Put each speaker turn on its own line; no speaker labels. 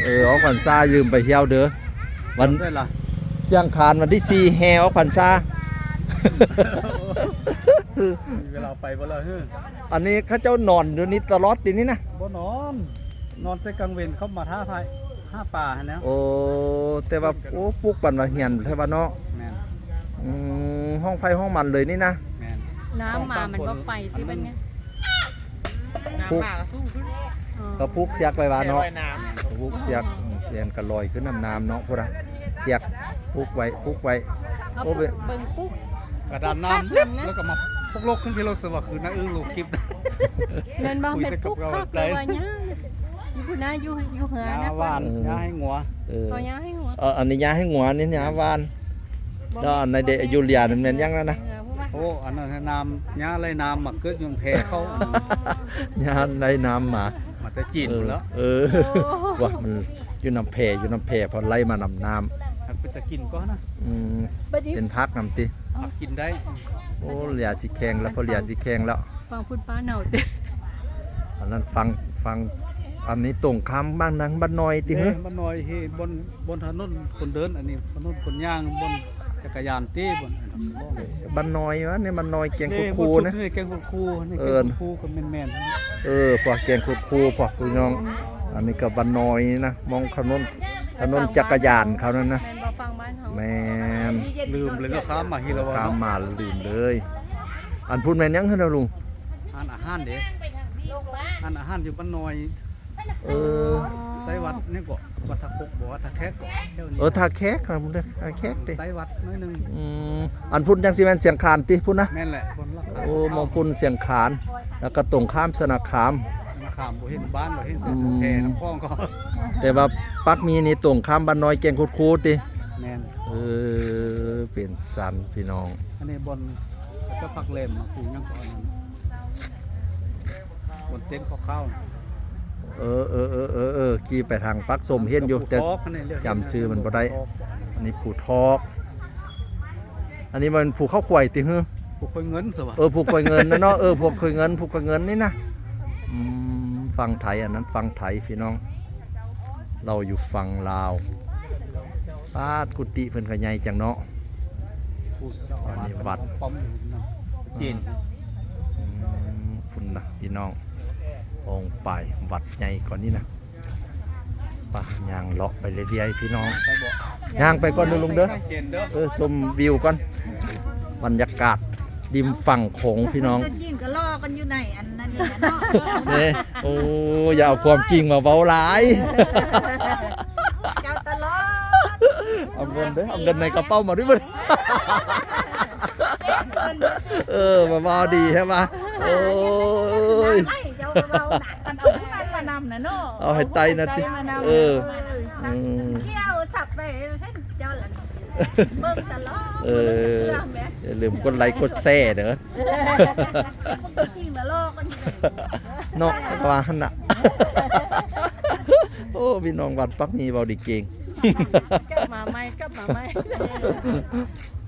ออกพรรษายืมไปเที่ยวเด้อวันเชียงคานวันที่4แห่ออกพรรษา
เวลาไปบ่ละเฮ้อ
อันนี้เขาเจ้านอนอยู่นี่ตลอดทีนี้นะ
บ่นอนแต่กลางเวรเขามาท่าพายห้าป่าหั่นแล้ว
โอ้แต่ว่าโอ้ปลูกปันว่าเฮียนใช่ป่ะเนาะ
แม่น
ห้องไฟห้องมันเลยนี่นะ
แม่น
น้ำมามันก็ไปที่เป็นไง
ปลูกก็ปลูกเสียกไปว่าเนาะ
น้
ปลูกเสียกเรียนก็ลอยขึ้นน้ำเนาะพุ่นน่ะเสียกปลูกไว้
เขา
โอ้
เบิ่งปุ๊บ
กระดานน้ำแล้วก็มาพกโลกขึ้นที่เราสว่าคือน้าอึ้งลูกคลิป
เดินบางเป็นปุ๊บพักเลยว่าเนี่ยอยู่คุณน้าอยู่เหือนะ
ยาหวานยาให้งัว
เอายาให้หัว
อันนี้ยาให้หัวนี่ยาวานแล้วอันในเดยูเลียนั่นแม่นยังแล้วนะ
โอ้อันนั้นน้ำยาอะไรน้ำมาเกิดยังแพ้เขา
ยาในน้ำหมา
มาแต่จีนหมดแล้ว
ว่ามันอยู่น้ำแพพอไล่มานำน้
หักไปตะกินก็นะ
ำเป็นพักน้ำติ
หักกินได้
โอ้เหลียสิแข็งแล้วพอเหลียสิแข็งแล้ว
ฟังพูดป้าเหนาเด้
อันนั้นฟังอันนี้ตรงข้ามบ้านนังบ้านน้อยติ
เฮ้
เฮ้
ยมันน้อยเฮ้ยบนถนนคนเดินอันนี้ถนนคนย่างบนจักรยานตีบน
บ้านน้อยวะเนี่ยบ้านน้อยแกงคูนะ
นี่แกงคูนี่แกงคูกับแม่น
พวกแกงคูพวกพี่น้องอันนี้ก็บ้านน้อยนะมองถนนจักรยานเขานั่นนะ
แมนบอฟังบ้านเขา
แมน
ลืมเลยลูกค้ามาฮิลาวา
ข้ามมาลืมเลย อันพูดแม่นยังขึ้นแล้วลุง
อาหารเด้อาหารอยู่บ้านน้อย ไต้วัดนี่ก็วัดทะกบอกว่าทะแคกก็เท่านี้
ท่าแขกครับผมเด้อท่าแขกติ
ไต้วัดน้อยนึง
อันพูดยังสิแม่นเสียงคานติพูดนะ
แม่นแหละคนละ
โอ้มองพูดเสียงคานแล้วก็ตรงข้ามสนาคาม
ขามบ่เห็นบ้านบ่เห็นแพน้ำคลองก็
แต่ว่าปักมีนี่ตรงข้ามบ้านน้อยแกงคูติ
แม่น
เป็นสันพี่น้อง
อันนี้บนก็พักเล่มมาปลูกยังก่อนนั้นบนเต็นท์ข้าว
ขี่ไปทางปักสมเห็นอยู่แต่จำซื้อมันบ่ได้อันนี้ผูทอกอันนี้มันผูข้าวขวายติฮึ
ผูกคอยเงินสิวะ
ผูกคอยเงินนะเนาะผูกคอยเงินนี่นะฟังไทยอันนั้นฟังไทยพี่น้องเราอยู่ฝั่งลาวปาดกุฏิเพิ่นก็ใหญ่จังเนาะ อันนี้วัด
ป้อมจีน
คุณนะพี่น้ององค์ไปวัดใหญ่ก่อนนี่นะป่ะย่างเลาะไปเรื่อยๆพี่น้องย่างไปก่อนเด้อลุงเด้อชมวิวก่อนบรรยากาศริมฝั่งโขงพี่น้อง
จีนก็ล่อกันอยู่ไหนอันนั้นนี่นะเนาะ
นี่โอ้อย่าเอาความจริงมาเว้าหลาย
เจ้าตลอด
เอาเงินเด้อเอาเงินในกระเป๋ามาด้วยมั้ยมาเว้าดีใช่ปะโอ้ย
ไม่เจ้าเราหนักกันเอาขึ้นมานำนะเนาะ
เอาให้ไตนะติเ
ที่ยวสับไปให้เจ้าละนี่เบิ่งตลอด
อย่าลืมกดไลค์กดแชร์เด้อ
จริงละล่อกันอยู่ไหน
เนาะว่าหั่นน่ะโอ้พี่น้องวัดปักมีเว้าดีเก่ง
กลับมาไหม